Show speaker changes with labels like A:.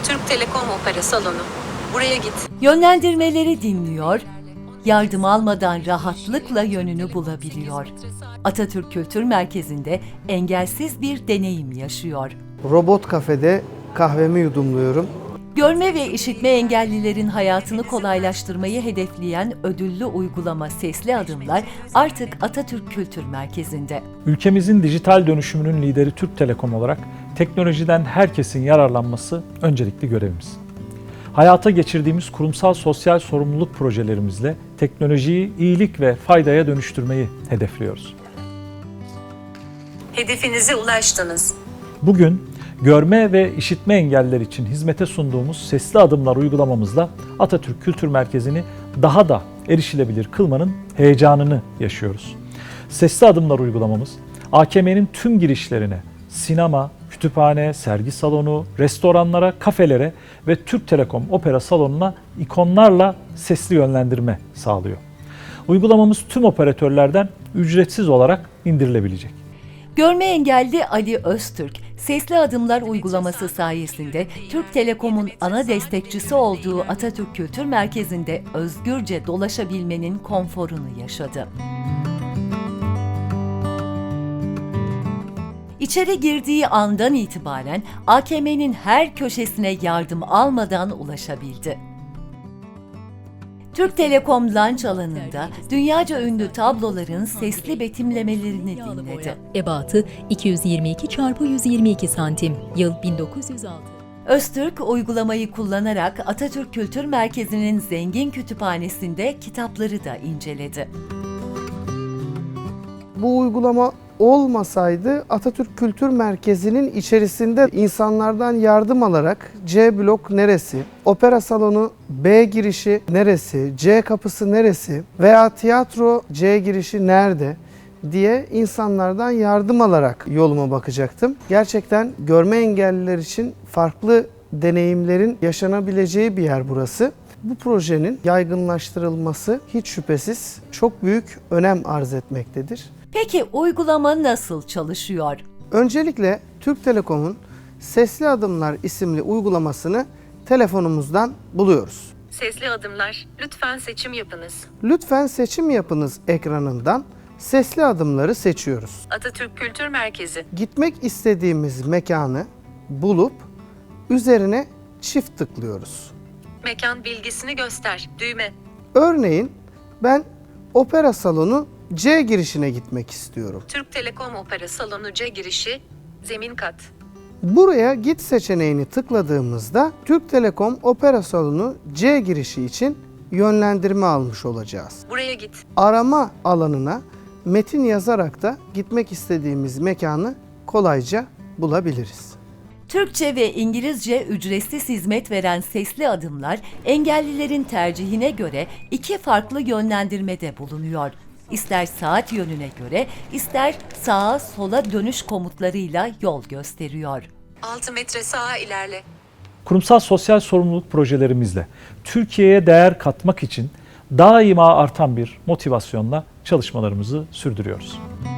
A: Türk Telekom Opera Salonu. Buraya git.
B: Yönlendirmeleri dinliyor, yardım almadan rahatlıkla yönünü bulabiliyor. Atatürk Kültür Merkezi'nde engelsiz bir deneyim yaşıyor.
C: Robot kafede kahvemi yudumluyorum.
B: Görme ve işitme engellilerin hayatını kolaylaştırmayı hedefleyen ödüllü uygulama Sesli Adımlar artık Atatürk Kültür Merkezi'nde.
D: Ülkemizin dijital dönüşümünün lideri Türk Telekom olarak teknolojiden herkesin yararlanması öncelikli görevimiz. Hayata geçirdiğimiz kurumsal sosyal sorumluluk projelerimizle teknolojiyi iyilik ve faydaya dönüştürmeyi hedefliyoruz.
A: Hedefinize ulaştınız.
D: Bugün görme ve işitme engelliler için hizmete sunduğumuz Sesli Adımlar uygulamamızla Atatürk Kültür Merkezi'ni daha da erişilebilir kılmanın heyecanını yaşıyoruz. Sesli Adımlar uygulamamız AKM'nin tüm girişlerine, sinema, kütüphane, sergi salonu, restoranlara, kafelere ve Türk Telekom Opera Salonu'na ikonlarla sesli yönlendirme sağlıyor. Uygulamamız tüm operatörlerden ücretsiz olarak indirilebilecek.
B: Görme engelli Ali Öztürk, Sesli Adımlar uygulaması sayesinde Türk Telekom'un ana destekçisi olduğu Atatürk Kültür Merkezi'nde özgürce dolaşabilmenin konforunu yaşadı. İçeri girdiği andan itibaren AKM'nin her köşesine yardım almadan ulaşabildi. Türk Telekom Lunch alanında dünyaca ünlü tabloların sesli betimlemelerini dinledi.
E: Ebatı 222 x 122 santim. Yıl 1906.
B: Öztürk uygulamayı kullanarak Atatürk Kültür Merkezi'nin zengin kütüphanesinde kitapları da inceledi.
C: Bu uygulama olmasaydı Atatürk Kültür Merkezi'nin içerisinde insanlardan yardım alarak C blok neresi, opera salonu B girişi neresi, C kapısı neresi veya tiyatro C girişi nerede diye insanlardan yardım alarak yoluma bakacaktım. Gerçekten görme engelliler için farklı deneyimlerin yaşanabileceği bir yer burası. Bu projenin yaygınlaştırılması hiç şüphesiz çok büyük önem arz etmektedir.
B: Peki uygulama nasıl çalışıyor?
C: Öncelikle Türk Telekom'un Sesli Adımlar isimli uygulamasını telefonumuzdan buluyoruz.
A: Sesli Adımlar. Lütfen seçim yapınız.
C: Lütfen seçim yapınız ekranından Sesli Adımları seçiyoruz.
A: Atatürk Kültür Merkezi.
C: Gitmek istediğimiz mekanı bulup üzerine çift tıklıyoruz.
A: Mekan bilgisini göster. Düğme.
C: Örneğin ben opera salonu C girişine gitmek istiyorum.
A: Türk Telekom Opera Salonu C girişi. Zemin kat.
C: Buraya git seçeneğini tıkladığımızda Türk Telekom Opera Salonu C girişi için yönlendirme almış olacağız.
A: Buraya git.
C: Arama alanına metin yazarak da gitmek istediğimiz mekanı kolayca bulabiliriz.
B: Türkçe ve İngilizce ücretsiz hizmet veren Sesli Adımlar, engellilerin tercihine göre iki farklı yönlendirmede bulunuyor. İster saat yönüne göre, ister sağa sola dönüş komutlarıyla yol gösteriyor.
A: 6 metre sağa ilerle.
D: Kurumsal sosyal sorumluluk projelerimizle Türkiye'ye değer katmak için daima artan bir motivasyonla çalışmalarımızı sürdürüyoruz.